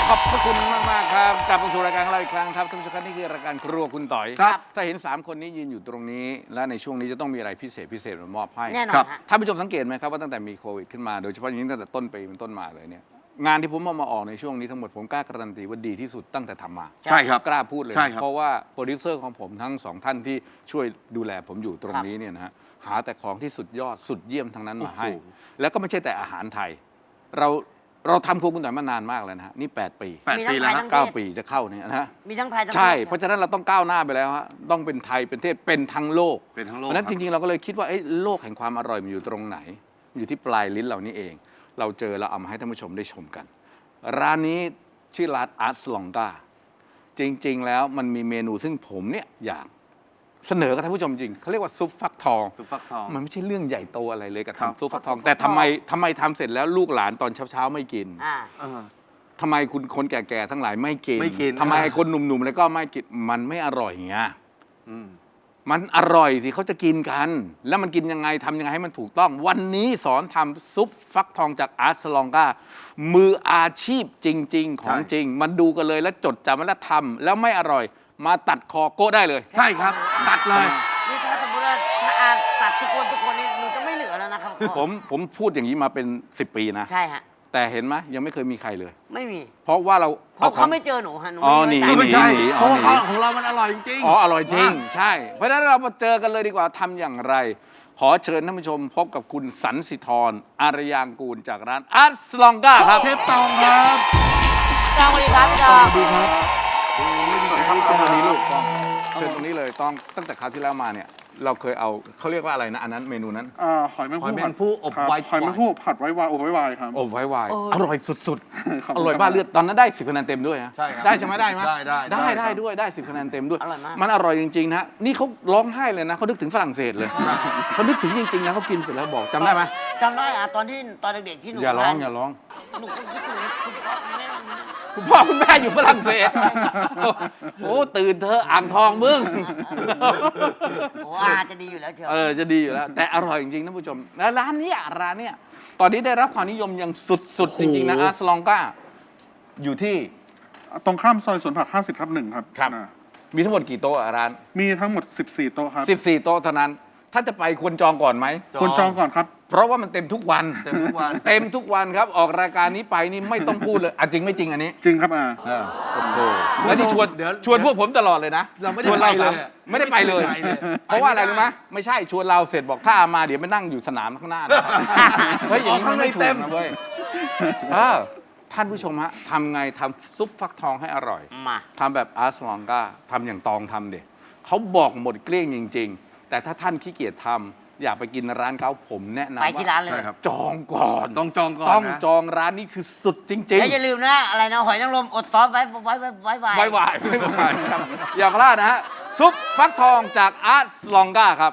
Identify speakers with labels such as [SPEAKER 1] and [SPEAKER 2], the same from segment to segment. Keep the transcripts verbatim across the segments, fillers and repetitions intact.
[SPEAKER 1] ขอบพระคุณมากมากครับกลับมาสู่รายการของเราอีกครั้งครับท่านผู้ชมครับนี่คือรายการครัวคุณต่อย
[SPEAKER 2] ครับ
[SPEAKER 1] ถ้าเห็นสามคนนี้ยืนอยู่ตรงนี้และในช่วงนี้จะต้องมีอะไรพิเศษพิเศษมามอบให้
[SPEAKER 3] แน่นอน
[SPEAKER 1] ครับ
[SPEAKER 3] ฮะ
[SPEAKER 1] ท่านผู้ชมสังเกตไหมครับว่าตั้งแต่มีโควิดขึ้นมาโดยเฉพาะอย่างยิ่งตั้งแต่ต้นปีเป็นต้นมาเลยเนี่ยงานที่ผมเอามาออกในช่วงนี้ทั้งหมดผมกล้าการันตีว่าดีที่สุดตั้งแต่ทำมา
[SPEAKER 2] ใช่ครับ
[SPEAKER 1] กล้าพูดเลย
[SPEAKER 2] ใช่ครับ
[SPEAKER 1] เพราะว่าโปรดิวเซอร์ของผมทั้งสองท่านที่ช่วยดูแลผมอยู่ตรงนี้เนี่ยนะฮะหาแต่ของที่สุดยอดสุดเยี่ยมทั้งนั้นมาให้ แล้วก็ไม่ใช่แต่อาหารไทย เราเราทำครัวคุณต่อยมานานมากแล้วนะฮะนี่แปดปี
[SPEAKER 2] แปด
[SPEAKER 3] มีทั้
[SPEAKER 2] ปี
[SPEAKER 3] ง
[SPEAKER 2] แล้ว
[SPEAKER 3] ไทย
[SPEAKER 2] ฮะ
[SPEAKER 3] ทั้ง
[SPEAKER 1] เก้าปีจะเข้าเนี่ยนะฮะ
[SPEAKER 3] มีทั้งไทยทั้ง
[SPEAKER 1] ใช่
[SPEAKER 3] ทศ
[SPEAKER 1] เพราะฉะนั้นเราต้องก้าวหน้าไปแล้วฮะต้องเป็นไทยเป็นเทศเป็นทั้งโลก
[SPEAKER 2] เป็นทั้งโล
[SPEAKER 1] เพ
[SPEAKER 2] ก
[SPEAKER 1] ราะฉะนั้น
[SPEAKER 2] ค
[SPEAKER 1] จ
[SPEAKER 2] บ
[SPEAKER 1] ริงๆเราก็เลยคิดว่าเอ้ยโลกแห่งความอร่อยมันอยู่ตรงไหนอยู่ที่ปลายลิ้นเรานี่เอง เราเจอเราเอามาให้ท่านผู้ชมได้ชมกัน ร้านนี้ชื่อร้านอาร์ตสลองกาจริงๆแล้วมันมีเมนูซึ่งผมเนี่ยอยากเสนอกับท่านผู้ชมจริงเขาเรียกว่าซุปฟักทอง
[SPEAKER 2] ซุปฟักทอง
[SPEAKER 1] มันไม่ใช่เรื่องใหญ่โตอะไรเลยกับ
[SPEAKER 2] ครับ
[SPEAKER 1] ทำซุปฟักทอง แต่ทำไมทำไมทำเสร็จแล้วลูกหลานตอนเช้าๆไม่กิน
[SPEAKER 3] อ่า
[SPEAKER 2] เออ
[SPEAKER 1] ทำไมคุณคนแก่ๆทั้งหลายไม่กิน
[SPEAKER 2] ไม่กิน
[SPEAKER 1] ทำไม
[SPEAKER 2] อ่า
[SPEAKER 1] ไอ้คนหนุ่มๆแล้วก็ไม่กินมันไม่อร่อยอย่างเงี้ย
[SPEAKER 2] อืม
[SPEAKER 1] มันอร่อยสิเขาจะกินกัน แล้วมันกินยังไงทำยังไงให้มันถูกต้อง วันนี้สอนทำซุปฟักทองจากอาร์ตสลองกามืออาชีพจริง ๆ ของจริง มันดูกันเลยแล้วจดจำไว้แล้วทำแล้วไม่อร่อย มาตัดคอโก้ได้เลย
[SPEAKER 2] ใช่ครับ ตัดเลย
[SPEAKER 3] นี่ถ้าสมมติว่าถ้าอาตัดทุกคนทุกคนนี่หนูจะไม่เหลือแล้วนะครับ
[SPEAKER 1] ผมผมพูดอย่างนี้มาเป็นสิบปีนะ
[SPEAKER 3] ใช่ฮะ
[SPEAKER 1] แต่เห็นไหมยังไม่เคยมีใครเลย
[SPEAKER 3] ไม่มี
[SPEAKER 1] เพราะว่าเรา
[SPEAKER 3] เพราะ
[SPEAKER 1] ข
[SPEAKER 3] เขา
[SPEAKER 1] อง
[SPEAKER 3] ไม่เจอหนูฮะหนู
[SPEAKER 1] อ๋อ
[SPEAKER 3] ไม่
[SPEAKER 1] หนี
[SPEAKER 3] เคย
[SPEAKER 2] ไม่
[SPEAKER 3] จ่าย
[SPEAKER 2] ใช่
[SPEAKER 1] หนี
[SPEAKER 2] เพราะว่า
[SPEAKER 1] หนี
[SPEAKER 2] ของเรามันอร่อยจริงๆ
[SPEAKER 1] อ๋ออร่อยจริง ใช่ เพราะฉะนั้นเรามาเจอกันเลยดีกว่าทำอย่างไร ขอเชิญท่านผู้ชมพบกับคุณสันสิธรอารยางกูลจากร้านอาร์ตสลองกาครับ
[SPEAKER 2] เชฟตองครับ
[SPEAKER 3] จองสวัสดีครับจอง
[SPEAKER 2] สวัสดีครับ
[SPEAKER 1] ต้องตรงนี้ลูกต้องเชิญตรงนี้เลยต้องตั้งแต่คราวที่แล้วมาเนี่ย เราเคยเอาเขาเรียกว่าอะไรนะอันนั้นเมนูนั้น
[SPEAKER 4] อ่าหอยแมง
[SPEAKER 2] หอย
[SPEAKER 4] ผู้
[SPEAKER 2] แม
[SPEAKER 4] ผั
[SPEAKER 2] ง
[SPEAKER 4] ด
[SPEAKER 2] ผู้อบ
[SPEAKER 4] ครับ
[SPEAKER 2] ไว้
[SPEAKER 4] หอยแมงผู้ผัดไว้วายอบไว้วายครับ
[SPEAKER 1] อบไว้วายอร่อยสุด
[SPEAKER 4] ขอบ
[SPEAKER 1] ๆ
[SPEAKER 4] คุณ
[SPEAKER 1] อร่อยบ้าเลือดตอนนั้นได้สิบคะแนนเต็มด้วยนะ
[SPEAKER 2] ใช่ครับ
[SPEAKER 1] ได้ใช่ไหมได้ไหม
[SPEAKER 2] ได้ได้
[SPEAKER 1] ได้
[SPEAKER 2] ได้
[SPEAKER 1] ได้ด้วยได้สิบคะแนนเต็มด้วย
[SPEAKER 3] อร่อยมาก
[SPEAKER 1] มันอร่อยจริงๆนะนี่เขาร้องไห้เลยนะเขานึกถึงฝรั่งเศสเลยเขานึกถึงจริงๆนะเขากินเสร็จแล้วบอกจำได้ไหม
[SPEAKER 3] จำได้อะตอนที่ตอนเด็กๆที่หนู
[SPEAKER 1] อย่าร้อง
[SPEAKER 3] ทน
[SPEAKER 1] อย่าร้อง
[SPEAKER 3] หนูก็คิดถึงคุณพ่อคุณแม่หนู
[SPEAKER 1] คุณพ่อคุณแม่อยู่ฝรั่งเศส โอ้ตื่นเธอะอ่างทองมึง
[SPEAKER 3] โอ้อาจะดีอยู่แล้วเชียว
[SPEAKER 1] เออจะดีอยู่แล้ว แต่อร่อยจริงๆท่านผู้ชมแล้วร้านเนี้ยร้านเนี้ยตอนนี้ได้รับความนิยมอย่างสุดๆ จริงๆนะอาร์ตสลองกาอยู่ที่
[SPEAKER 4] ตรงข้ามซอยสวนผักห้าสิบทับหนึ่งครับ
[SPEAKER 1] ครับ
[SPEAKER 4] อ่า
[SPEAKER 1] มีทั้งหมดกี่โต๊ะอะร้าน
[SPEAKER 4] มีทั้งหมดสิบสี่โต๊ะครับ
[SPEAKER 1] สิบสี่โต๊ะเท่านั้น ถ้าจะไปควรจองก่อนไหม
[SPEAKER 4] คนจองก่อนครับ
[SPEAKER 1] เพราะว่ามันเต็มทุกวัน
[SPEAKER 2] เต็มทุกวัน
[SPEAKER 1] เต็มทุกวันครับ ออกรายการนี้ไปนี่ไม่ต้องพูดเลยอ่ะจริงไม่จริงอันนี้
[SPEAKER 4] จริงครับอ่า
[SPEAKER 1] เออโอ้โหแล้วนี่ชวน
[SPEAKER 2] เดี๋ยว
[SPEAKER 1] ชวนพวกผมตลอดเลยนะ
[SPEAKER 2] เราไม่ได้
[SPEAKER 1] ชวนเรา
[SPEAKER 2] ไปเลย
[SPEAKER 1] สามไม่ได้ไปเลย
[SPEAKER 2] ไม่ได้ไปเลย
[SPEAKER 1] เพราะว่าอะไรรู้ไหมไม่ใช่ชวนเราเสร็จบอกถ้ามาเดี๋ยวไปนั่งอยู่สนามข้างหน้านะเฮ้ยอย่างนี้มันไม่ถูกนะเว้ยเออท่านผู้ชมฮะทำไงทำซุปฟักทองให้อร่อย
[SPEAKER 3] มา
[SPEAKER 1] ทำแบบอาร์ตสลองกาทำอย่างตองทำเด็เขาบอกหมดเกลี้ยงจริง ๆ แต่ถ้าท่านขี้เกียจทำอยากไปกินร้านเขาผมแนะนำ
[SPEAKER 3] ไป
[SPEAKER 1] ว่า
[SPEAKER 3] ที่ร้านเลย
[SPEAKER 2] ใช่ครับ
[SPEAKER 1] จองก่อน
[SPEAKER 2] ต้องจองก่อน
[SPEAKER 1] ต้อง
[SPEAKER 2] นะ
[SPEAKER 1] จองร้านนี้คือสุดจริง
[SPEAKER 3] แล้วอย่าลืมนะอะไรนะหอยนางรมอดซอสไว้ไว้ไว้ไว้ไว้
[SPEAKER 1] ๆไว้วายไม่วายครับอย่าพลาดนะฮะซุปฟักทองจากอาร์ตสลองกาครับ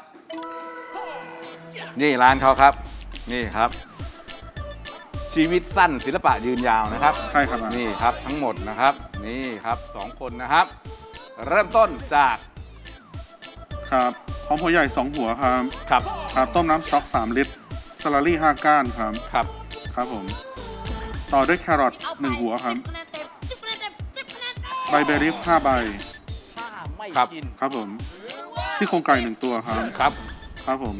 [SPEAKER 1] นี่ร้านเขาครับ นี่ครับ ชีวิตสั้นศิลปะยืนยาวนะครับ
[SPEAKER 4] ใช่ครับอ่า
[SPEAKER 1] นี่ครับทั้งหมดนะครับ นี่ครับสองคนนะครับ เริ่มต้นจาก
[SPEAKER 4] ครับหอมหัวใหญ่สองหัวครับ
[SPEAKER 1] ครับ
[SPEAKER 4] ครับต้มน้ำสต๊อกสามลิตรสลัดรี่ห้าก้านครับ
[SPEAKER 1] ครับ
[SPEAKER 4] ครับผม ต่อด้วยแครอทหนึ่งหัวครับใบเบอร์รี่ห้าใบ
[SPEAKER 3] ถ้าไม่
[SPEAKER 1] ครับ
[SPEAKER 3] กิน
[SPEAKER 4] ครับผมซี่โครงไก่หนึ่งตัวครับ
[SPEAKER 1] ครับ
[SPEAKER 4] ครับผม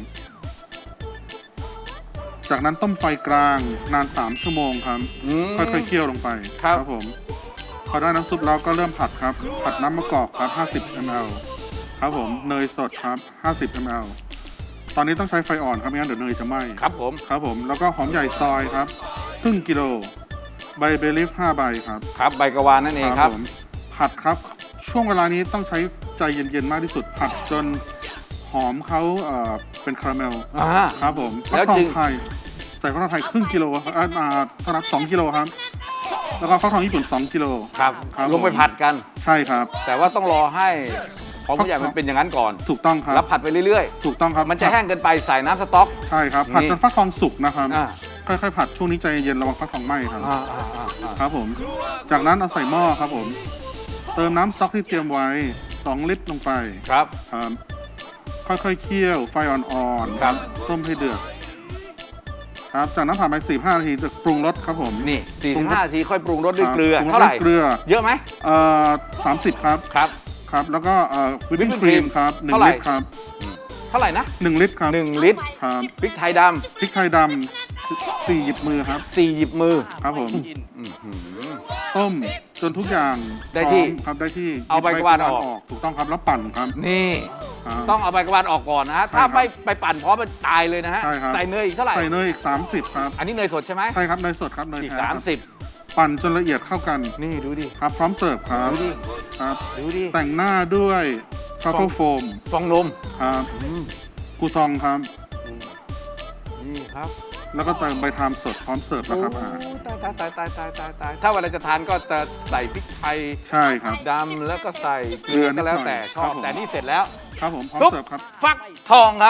[SPEAKER 4] จากนั้นต้มไฟกลางนานสามชั่วโมงครับ
[SPEAKER 1] อืม
[SPEAKER 4] ค่อยๆเคี่ยวลงไป
[SPEAKER 1] ครับ
[SPEAKER 4] ผมพอได้น้ำซุปแล้วก็เริ่มผัดครับ ผัดน้ำมะกอกครับห้าสิบมิลลิลิตร ครับผม เนยสดครับห้าสิบมิลลิลิตร ตอนนี้ต้องใช้ไฟอ่อนครับไม่งั้นเดี๋ยวเนยจะไหม้
[SPEAKER 1] ครับผม
[SPEAKER 4] ครับผม แล้วก็หอมใหญ่ซอยครับครึ่งกิโล ใบเบลลิฟห้าใบครับ
[SPEAKER 1] ครับใบกระวานนั่นเองครับ
[SPEAKER 4] ผมผัดครับ ช่วงเวลานี้ต้องใช้ใจเย็นๆมากที่สุด ผัดจนหอมเขาเอ่อเป็นคาราเมล
[SPEAKER 1] อ่า
[SPEAKER 4] ครับผม
[SPEAKER 1] แล้ว
[SPEAKER 4] ฟักทอ
[SPEAKER 1] จึ
[SPEAKER 4] ง
[SPEAKER 1] ง
[SPEAKER 4] ไทยใส่ฟักทองไทยครึ่งกิโลครับอ่าอ่าต้อนรับสองกิโลครับ แล้วก็ฟักทองญี่ปุ่นสองกิโล
[SPEAKER 1] ครับ
[SPEAKER 4] ครับ
[SPEAKER 1] ลงไป
[SPEAKER 4] ผม
[SPEAKER 1] ผัดกัน
[SPEAKER 4] ใช่ครับ
[SPEAKER 1] แต่ว่าต้องรอให้หอมผู้ใหญ่มันเป็นอย่างนั้นก่อน
[SPEAKER 4] ถูกต้องครับ
[SPEAKER 1] แล้วผัดไปเรื่อย
[SPEAKER 4] ถูกต้องครับ
[SPEAKER 1] ๆ มันจะแห้งเกินไปใส่น้ำสต๊อก
[SPEAKER 4] ใช่ครับ ผัด
[SPEAKER 1] นี่
[SPEAKER 4] จนฟักทองสุกนะครับ
[SPEAKER 1] อ่า
[SPEAKER 4] ค่อยๆผัดช่วงนี้ใจเย็นระวังฟักทองไหม้ครับ
[SPEAKER 1] อ่าอ่าอ่าอ่า
[SPEAKER 4] ครับผม จากนั้นเอาใส่หม้อครับผม เติมน้ำสต๊อกที่เตรียมไว้สองลิตรลงไป
[SPEAKER 1] ครับ
[SPEAKER 4] ครับค่อยๆเคี่ยวไฟอ่อนๆ
[SPEAKER 1] ครับ
[SPEAKER 4] ต้มให้เดือด คครับ จากนั้นผ่านไปสี่ห้านาทีจะปรุงรสครับผม
[SPEAKER 1] นี่สี่สิบห้านาทีค่อยปรุงรสด้วย
[SPEAKER 4] ครับ
[SPEAKER 1] เกลือ
[SPEAKER 4] ปรุงรส
[SPEAKER 1] เท่าไหร่
[SPEAKER 4] ด้วยเกลือ
[SPEAKER 1] เยอะไหม
[SPEAKER 4] เอ่อสามสิบครับ
[SPEAKER 1] ครับ
[SPEAKER 4] ครับ แล้วก็เอ่อวิปปิ้ง
[SPEAKER 1] Whipping
[SPEAKER 4] ครีม
[SPEAKER 1] cream
[SPEAKER 4] ครับหนึ่
[SPEAKER 1] เท่าง ไหร่
[SPEAKER 4] ลิตรครับ
[SPEAKER 1] เท่าไหร่นะ
[SPEAKER 4] หนึ่งลิตรครับ
[SPEAKER 1] หนึ่งลิตร
[SPEAKER 4] ครับ
[SPEAKER 1] พริกไทยด
[SPEAKER 4] พริกไทยดำสี่หยิบมือครับ
[SPEAKER 1] ำสี่หยิบมือ
[SPEAKER 4] ครับผม
[SPEAKER 1] อื้อหือ
[SPEAKER 4] ต้มจนทุกอย่าง
[SPEAKER 1] ได้ที่
[SPEAKER 4] พร้อมครับได้ที่
[SPEAKER 1] เอาใบกวาดออก
[SPEAKER 4] ถูกต้องครับแล้วปั่นครับ
[SPEAKER 1] นี่
[SPEAKER 4] ครับ
[SPEAKER 1] ต้องเอาใบกระวานออกก่อนนะฮะ
[SPEAKER 4] ใช่
[SPEAKER 1] ถ้า
[SPEAKER 4] ครับ
[SPEAKER 1] ไม่ไปปั่นพร้อมมันตายเลยนะฮะ
[SPEAKER 4] ใช่ครับ
[SPEAKER 1] ใส่เนยอีกเท่าไหร่
[SPEAKER 4] ใส่เนยอีกสามสิบครับ
[SPEAKER 1] อันนี้เนยสดใช่ไหม
[SPEAKER 4] ใช่ครับเนยสดครับเนย
[SPEAKER 1] อีก
[SPEAKER 4] แท้
[SPEAKER 1] สาม
[SPEAKER 4] ครับ
[SPEAKER 1] สิบ
[SPEAKER 4] ปั่นจนละเอียดเข้ากัน
[SPEAKER 1] นี่ดูดิ
[SPEAKER 4] ครับพร้อมเสิร์ฟครับ
[SPEAKER 1] ดูดิ
[SPEAKER 4] ครับ
[SPEAKER 1] ดูดิ
[SPEAKER 4] แต่งหน้าด้วยทรัฟเฟิลโฟม
[SPEAKER 1] ฟองนม
[SPEAKER 4] ครับ
[SPEAKER 1] อืม
[SPEAKER 4] กูซองครับ
[SPEAKER 1] นี่ครับ
[SPEAKER 4] แล้วก็เติมใบทามสดพร้อมเสิร์ฟนะครับอ่า
[SPEAKER 1] โอ้ตายตายตายตายตายตายตายถ้าเวลาจะทานก็จะใส่พริกไทย
[SPEAKER 4] ใช่ครับ
[SPEAKER 1] ดำแล้วก็ใส่เกลือก็แล้วแต่ชอบ
[SPEAKER 4] ครับผม
[SPEAKER 1] แต่นี่เสร็จแล้ว
[SPEAKER 4] ครับผมพร้อม
[SPEAKER 1] ซุป
[SPEAKER 4] เสิร์ฟครับ
[SPEAKER 1] ฟักทองครับ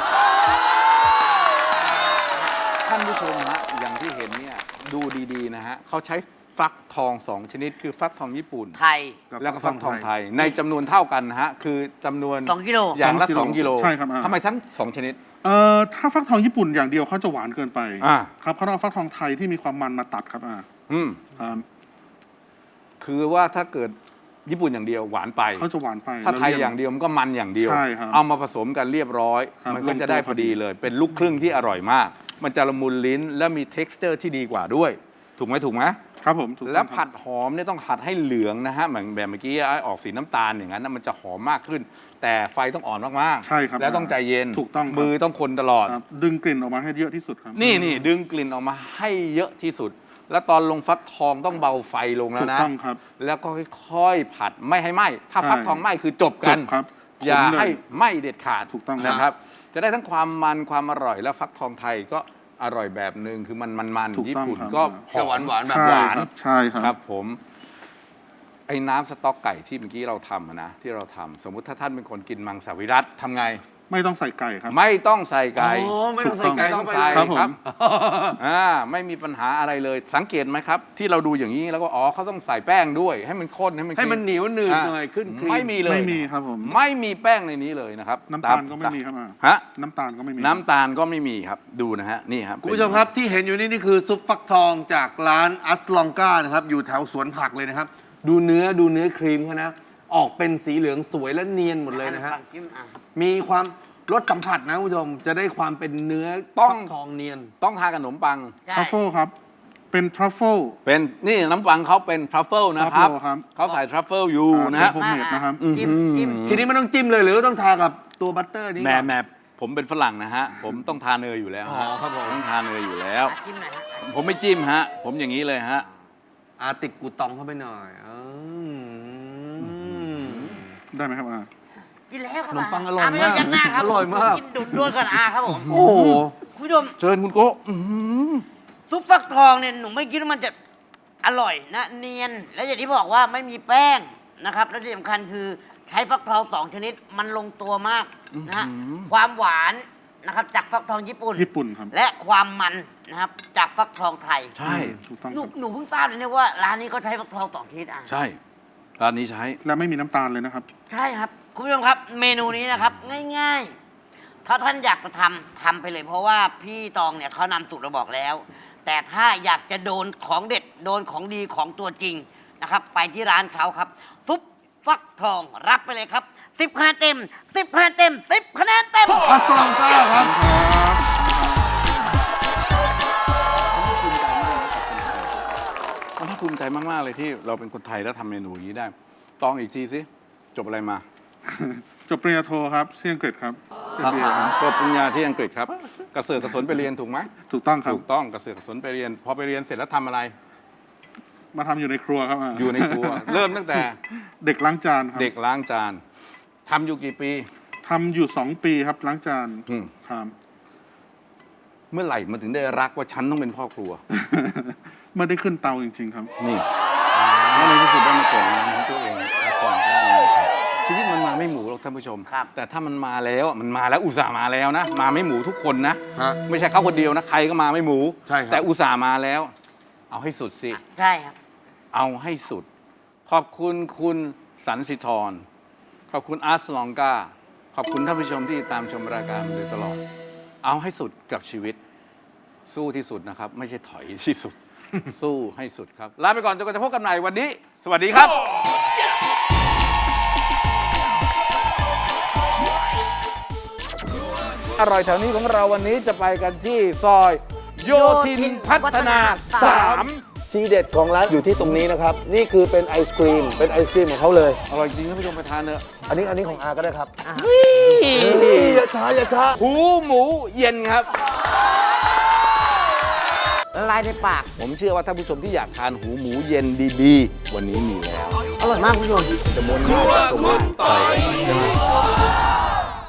[SPEAKER 1] ท่านผู้ชมฮะอย่างที่เห็นเนี่ยดูดีๆนะฮะเขาใช้ฟักทองสองชนิดคือฟักทองญี่ปุ่น
[SPEAKER 3] ไทย
[SPEAKER 1] แล้วก็ฟักทองไทยในจำนวนเท่ากันนะฮะคือจำนวน
[SPEAKER 3] สองกิโล
[SPEAKER 1] อย่างละ
[SPEAKER 4] ส
[SPEAKER 1] ส
[SPEAKER 4] อ
[SPEAKER 1] อง ง
[SPEAKER 4] กิ
[SPEAKER 1] กิ
[SPEAKER 4] โล
[SPEAKER 1] โล
[SPEAKER 4] ใช่ครับอ่า
[SPEAKER 1] ทำไมทั้งสองชนิด
[SPEAKER 4] เอ่อถ้าฟักทองญี่ปุ่นอย่างเดียวเขาจะหวานเกินไป
[SPEAKER 1] อ่า
[SPEAKER 4] ครับเขาต้องเอาฟักทองไทยที่มีความมันมาตัดครับอ่า
[SPEAKER 1] อืม
[SPEAKER 4] ครับ
[SPEAKER 1] คือว่าถ้าเกิดญี่ปุ่นอย่างเดียวหวานไป
[SPEAKER 4] เขาจะหวานไป
[SPEAKER 1] ถ้าไทย
[SPEAKER 4] แล้ว
[SPEAKER 1] อย่างเดียวมันก็มันอย่างเดียว
[SPEAKER 4] ใช่ครับ
[SPEAKER 1] เอามาผสมกันเรียบร้อย
[SPEAKER 4] ครับ
[SPEAKER 1] มันก็จะ
[SPEAKER 4] ลงตัว
[SPEAKER 1] ได้พอดีเลย เป็นลูกครึ่งที่อร่อยมาก มันจะละมุนลิ้นและมี เท็กซ์เจอร์ ที่ดีกว่าด้วย ถูกไหมถูกไหม
[SPEAKER 4] ครับผมถูกต้อง
[SPEAKER 1] แล้ว
[SPEAKER 4] ครับ
[SPEAKER 1] ผัดหอมเนี่ยต้องผัดให้เหลืองนะฮะเหมือนแบบเมื่อกี้ไอ้ออกสีน้ำตาลอย่างนั้นนะมันจะหอมมากขึ้น แต่ไฟต้องอ่อนมากๆ
[SPEAKER 4] ใช่ครับ
[SPEAKER 1] แล้วต้องใจเย็น
[SPEAKER 4] ถูกต้องครับ
[SPEAKER 1] มือต้องคนตลอด
[SPEAKER 4] ครับดึงกลิ่นออกมาให้เยอะที่สุดครับ
[SPEAKER 1] นี่นี่ดึงกลิ่นออกมาให้เยอะที่สุด แล้วตอนลงฟักทองต้องเบาไฟลงแล้
[SPEAKER 4] ถู
[SPEAKER 1] ว
[SPEAKER 4] ก
[SPEAKER 1] นะ
[SPEAKER 4] ต้องครับ
[SPEAKER 1] แล้วก็ค่อยๆผัดไม่ให้ไหม้ถ้า
[SPEAKER 4] ใช่
[SPEAKER 1] ฟักทองไหม้คือจบกัน
[SPEAKER 4] จบครับ
[SPEAKER 1] อย่า
[SPEAKER 4] ขมเลย
[SPEAKER 1] ให้ไหม้เด็ดขาด
[SPEAKER 4] ถูกต้อง
[SPEAKER 1] นะครับ จะได้ทั้งความมันความอร่อยแล้วฟักทองไทยก็อร่อยแบบหนึ่งคือมันมันมัน
[SPEAKER 4] ถูก
[SPEAKER 1] ญี่
[SPEAKER 4] ต้อง
[SPEAKER 1] ปุ่น
[SPEAKER 4] ครับ
[SPEAKER 1] ก็
[SPEAKER 2] จะหวานหวานๆแบบ
[SPEAKER 4] ใช่
[SPEAKER 2] หวาน
[SPEAKER 4] ครับใช่ครับ
[SPEAKER 1] ครับผม ไอ้น้ำสต๊อกไก่ที่เมื่อกี้เราทำอะนะที่เราทำสมมุติถ้าท่านเป็นคนกินมังสวิรัตทำไง
[SPEAKER 4] ไม่ต้องใส่ไก่ครับ
[SPEAKER 1] ไม่ต้องใส่ไก่
[SPEAKER 2] อ๋อไม่ต้องใส่ไก่
[SPEAKER 1] ไม่ต้
[SPEAKER 2] เข้า
[SPEAKER 1] อง
[SPEAKER 2] ไป
[SPEAKER 1] ใส่
[SPEAKER 2] เลย
[SPEAKER 4] ครับผม
[SPEAKER 1] อ่าไม่มีปัญหาอะไรเลย สังเกตไหมครับ ที่เราดูอย่างนี้แล้วก็อ๋อเขาต้องใส่แป้งด้วย ให้มันข้นให้มัน
[SPEAKER 2] ให้มัน
[SPEAKER 1] ครี
[SPEAKER 2] เหนียวหนืดหน่อยขึ้นครีม
[SPEAKER 1] ไม่มีเลย
[SPEAKER 4] ไม่มีครับผม
[SPEAKER 1] ไม่มีแป้งในนี้เลยนะครับ
[SPEAKER 4] น้ำตาลก็ไม่มีครับอ่า
[SPEAKER 1] ฮะ
[SPEAKER 4] น้ำตาลก็ไม่มี
[SPEAKER 1] น้ำตาลก็ไม่มีครับดูนะฮะนี่ครับ
[SPEAKER 2] คุณผู้ชมครับที่เห็นอยู่นี่นี่คือซุปฟักทองจากร้านอัสลองกานะครับอยู่แถวสวนผักเลยนะครับ ดูเนื้อดูเนื้อครีมเขานะ ออกเป็นสีเหลืองสวยและเนียนหมดเลยนะฮะ
[SPEAKER 3] จิ้มอ่ะ
[SPEAKER 2] มีความรสสัมผัสนะคุณผู้ชมจะได้ความเป็นเนื้อ
[SPEAKER 1] ต้อง
[SPEAKER 2] ฟักทองเนียน
[SPEAKER 1] ต้องทานกับขนมปัง
[SPEAKER 3] ใช่
[SPEAKER 4] ทรัฟเฟิลครับ เป็นทรัฟเฟิล
[SPEAKER 1] เป็นนี่น้ำปังเขาเป็นทรัฟเฟิลนะครับ
[SPEAKER 4] ทรัฟเฟิลครับ
[SPEAKER 1] เขาใส่ทรัฟเฟิลอยู่นะฮะ
[SPEAKER 4] โฮมเมดนะครับ
[SPEAKER 3] จิ้มจิ้ม
[SPEAKER 2] ทีนี้ไม่ต้องจิ้มเลยหรือว่าต้องทากับตัวบัตเตอร์นี้
[SPEAKER 1] แหม
[SPEAKER 2] ก่อน
[SPEAKER 1] แหมผมเป็นฝรั่งนะฮะ ผมต้องทานเนยอยู่แล้ว
[SPEAKER 2] อ๋อ
[SPEAKER 1] ฮะ
[SPEAKER 2] ครับผม
[SPEAKER 1] ต้องทานเนยอยู่แล้ว
[SPEAKER 3] อ่ะจิ้มหน่อยฮะ
[SPEAKER 1] ผมไม่จิ้มฮะ ผมอย่างนี้เลยฮะ
[SPEAKER 2] อาติดกูตองเข้าไปหน่อยอืม
[SPEAKER 4] ได้ไหมครับอ่า
[SPEAKER 3] กินแล้วครับ
[SPEAKER 2] ขนมปังอร่อย
[SPEAKER 3] ะไม่ต้อง
[SPEAKER 2] มาก
[SPEAKER 3] ยักหน้าครับ
[SPEAKER 2] อร่อยมาก
[SPEAKER 3] กินดูดด้วยก่อนอาครับผม
[SPEAKER 2] โอ้โห
[SPEAKER 3] คุณผู้ชม
[SPEAKER 1] เชิญคุณโก้อื้อหือ
[SPEAKER 3] ซุปฟักทองเนี่ยหนูไม่คิดว่ามันจะอร่อยนะเนียน และอย่างที่บอกว่าไม่มีแป้งนะครับ และที่สำคัญคือใช้ฟักทองสองชนิดมันลงตัวมากนะฮะความหวานนะครับจากฟักทองญี่ปุ่น
[SPEAKER 4] ญี่ปุ่นครับ
[SPEAKER 3] และความมันนะครับจากฟักทองไทย
[SPEAKER 1] ใช่
[SPEAKER 4] ถูกต้อง
[SPEAKER 3] หนู
[SPEAKER 4] ครับ
[SPEAKER 3] หนูเพิ่งทราบเลยเนี่ยว่าร้านนี้เขาใช้ฟักทองสองชนิดอ่ะ
[SPEAKER 1] ใช่ร้านนี้ใช้
[SPEAKER 4] และไม่มีน้ำตาลเลยนะครับ
[SPEAKER 3] ใช่ครับ คุณผู้ชมครับ เมนูนี้นะครับ ง่ายๆ ถ้าท่านอยากจะทำทำไปเลย เพราะว่าพี่ตองเนี่ยเขานำสูตรมาบอกแล้ว แต่ถ้าอยากจะโดนของเด็ดโดนของดีของตัวจริงนะครับ ไปที่ร้านเขาครับ ทุบฟักทองรับไปเลยครับสิบคะแนนเต็มสิบคะแนนเต็มสิบคะแนนเต็ม
[SPEAKER 2] อัสลองกาครับ
[SPEAKER 1] มันน่าภูมิใจมาก ๆ เลยที่เราเป็นคนไทยแล้วทำเมนูอย่างนี้ได้ ตองอีกทีสิ จบอะไรมา
[SPEAKER 4] จบปริญญาโทครับที่อังกฤษครับ
[SPEAKER 1] ครับจบปริญญาที่อังกฤษครับกระเสือกกระสนไปเรียนถูกไหม
[SPEAKER 4] ถูกต้องครับ
[SPEAKER 1] ถูกต้องกระเสือกกระสนไปเรียน พอไปเรียนเสร็จแล้วทำอะไร
[SPEAKER 4] มาทำอยู่ในครัวครับา
[SPEAKER 1] อยู่ในครัว เริ่มตั้งแต่
[SPEAKER 4] เด็กล้างจานครับ
[SPEAKER 1] เด็กล้างจานทำอยู่กี่ปี
[SPEAKER 4] ทำอยู่สองปีครับล้างจาน
[SPEAKER 1] อืม
[SPEAKER 4] ครับ
[SPEAKER 1] เมื่อไหร่มันถึงได้รักว่าฉันต้องเป็นพ่อครัว
[SPEAKER 4] เมื่อได้ขึ้นเตาจริง ๆ ครับ
[SPEAKER 1] นี่แล้วในที่สุดได้มาเกิดงานของตัวเองแล้วก่อนได้เลยครับชีวิตมันมาไม่หมูหรอกท่านผู้ชม
[SPEAKER 3] ครับ
[SPEAKER 1] แต่ถ้ามันมาแล้วมันมาแล้วอุตส่าห์มาแล้วนะ มาไม่หมูทุกคนนะ
[SPEAKER 2] ฮะ
[SPEAKER 1] ไม่ใช่เขาคนเดียวนะ ใครก็มาไม่หมู
[SPEAKER 2] ใช่ครับ
[SPEAKER 1] แต่อุตส่าห์มาแล้ว เอาให้สุดสิ
[SPEAKER 3] ใช่ครับ
[SPEAKER 1] เอาให้สุด ขอบคุณคุณสันสิธร ขอบคุณอาร์ตลองกา ขอบคุณท่านผู้ชมที่ตามชมรายการมาโดยตลอด เอาให้สุดกับชีวิตสู้ที่สุดนะครับ ไม่ใช่ถอยที่สุด สู้ให้สุดครับ ลาไปก่อนจนกว่าจะพบกันใหม่วันนี้ สวัสดีครับ อร่อยแถวนี้ของเราวันนี้จะไปกันที่ซอยโยธินพัฒนาสาม
[SPEAKER 2] ทีเด็ดของร้านอยู่ที่ตรงนี้นะครับ นี่คือเป็นไอศครีม เป็นไอศครีมของเขาเลย
[SPEAKER 1] อร่อยจริงท่านผู้ชมไปทานเถอะ
[SPEAKER 2] อันนี้อันนี้ของอาก็ได้ครับอย่าช้าอย่าช้า
[SPEAKER 1] หูหมูเย็นครับ
[SPEAKER 3] ละลายในปาก
[SPEAKER 1] ผมเชื่อว่าท่านผู้ชมที่อยากทานหูหมูเย็นดีๆ วันนี้มีแล้ว
[SPEAKER 3] อร่อยมากคุณผู้ชม
[SPEAKER 1] จะม้วนง่ายจับตัวง่ายใช่ไหม